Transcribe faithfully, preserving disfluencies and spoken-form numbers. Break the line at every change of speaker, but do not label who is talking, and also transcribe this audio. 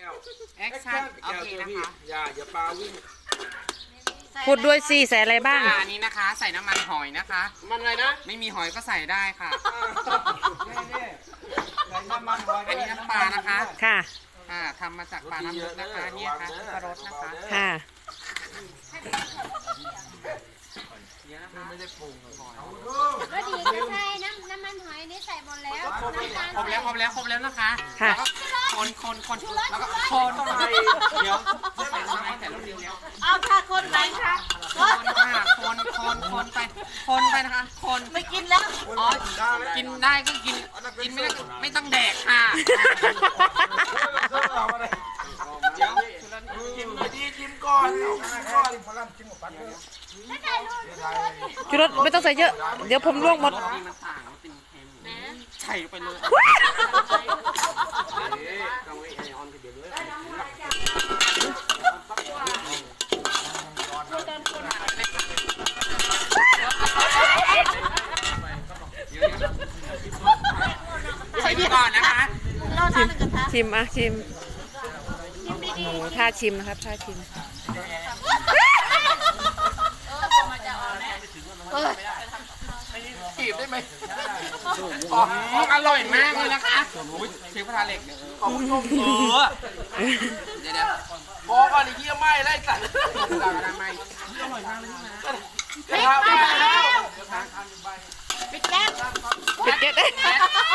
แอคชั่นโอเคนะคะ
อย่าอย่าปลาวิ่ง
พูดด้วยสิใส่อะไรบ้าง
อันนี้นะคะใส่น้ำมันหอยนะคะ
มันอะไรนะ
ไม่มีหอยก็ใส่ได้ค่ะอันนี้น้ำปลานะคะ
ค่ะ
อ่าทำมาจากปลาน้ำลึกนะคะเนี่ยค่ะปลารสนะคะ
ค่ะ
ไม่ได้ปรุงหอย
ก็ดีก็ใช่น้ำน้ำมันหอยนี่ใส่หมดแล้วน้ำตาล
ครบแล้วครบแล้วครบแล้วนะคะ
ค่ะ
คนคนคนแล้วก็คนเดี๋ยวใส่ลงไปแต่ลูกเดียวแล้ว
เอาค่ะคนไหนคะ
คนค่ะคนคนคนไปคนไปนะคะคน
ไม่กินแล้ว
อ๋อกินได้ก็กินกินไม่ได้ก็ไม่ต้องแดกค่ะเดี๋ยวชิมดีชิมก่อนก่อนพลังชิมกับปัน
ชูรสไม่ต้องใส่เยอะเดี๋ยวผมลวกหมด
มันต่างมันเป็นเค็มใส่ไปเลยใส่ก่อนนะคะ
ชิมชิมอ่ะชิมโอ้ท่าชิมนะครับท่าชิม
จีบได้ไหมอร่อยมากเลยนะคะเชฟพระเล็กเนี่ยขอบคุณเออเดี๋ยวเดี๋ยวพอก่อนไอ้เหี้ยไหม้ไล่สัตว์ไม่อร่อยมากเลยนะ
ปิดแก๊สปิดแก๊ส
ปิดเก็ต